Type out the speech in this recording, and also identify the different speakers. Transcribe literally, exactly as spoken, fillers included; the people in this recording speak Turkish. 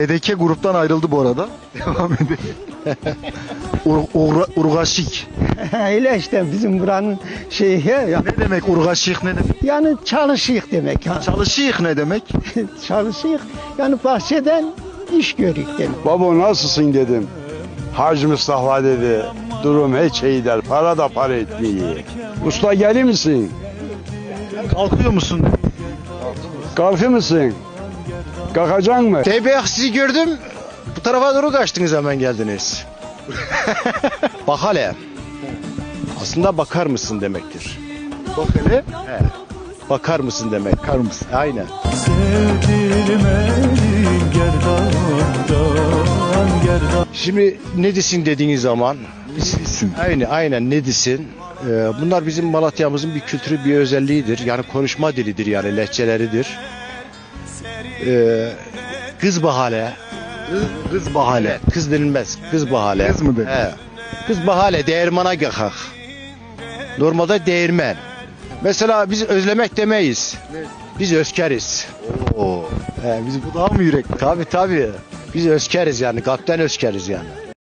Speaker 1: D D K gruptan ayrıldı bu arada. Devam edelim. Ur, ur, urgaşik.
Speaker 2: Öyle işte bizim buranın şeyi ya.
Speaker 1: Ne demek urgaşik, ne demek?
Speaker 2: Yani çalışıyık demek. Ha.
Speaker 1: Çalışıyık ne demek?
Speaker 2: Çalışıyık. Yani bahçeden iş görük demek.
Speaker 3: Baba nasılsın dedim. Hacı Mustafa dedi. Durum hiç iyi der. Para da para etmiyor. Usta gelir misin?
Speaker 1: Kalkıyor musun?
Speaker 3: Kalkır mısın? Kalkacaksın mı?
Speaker 4: Tayyip Bey sizi gördüm. Bu tarafa doğru kaçtınız hemen geldiniz. Bak hele. Aslında bakar mısın demektir.
Speaker 1: Bak hele.
Speaker 4: He. Bakar mısın demek.
Speaker 1: Bakar mısın?
Speaker 4: Aynen. Şimdi ne desin dediğiniz zaman
Speaker 1: İsim.
Speaker 4: aynen aynen ne desin. Ee, bunlar bizim Malatya'mızın bir kültürü, bir özelliğidir. Yani konuşma dilidir, yani lehçeleridir. Ee, kız bahane.
Speaker 1: Kız bahane.
Speaker 4: Kız denilmez. Kız bahane.
Speaker 1: Kız mı denir?
Speaker 4: He. Kız bahane değirmana gakak. Normalde değirmen. Mesela biz özlemek demeyiz. Biz özkeriz.
Speaker 1: Oo.
Speaker 4: He, biz
Speaker 1: Bu daha mı yürekli?
Speaker 4: tabi tabi. Biz özkeriz yani. Kalpten özkeriz yani.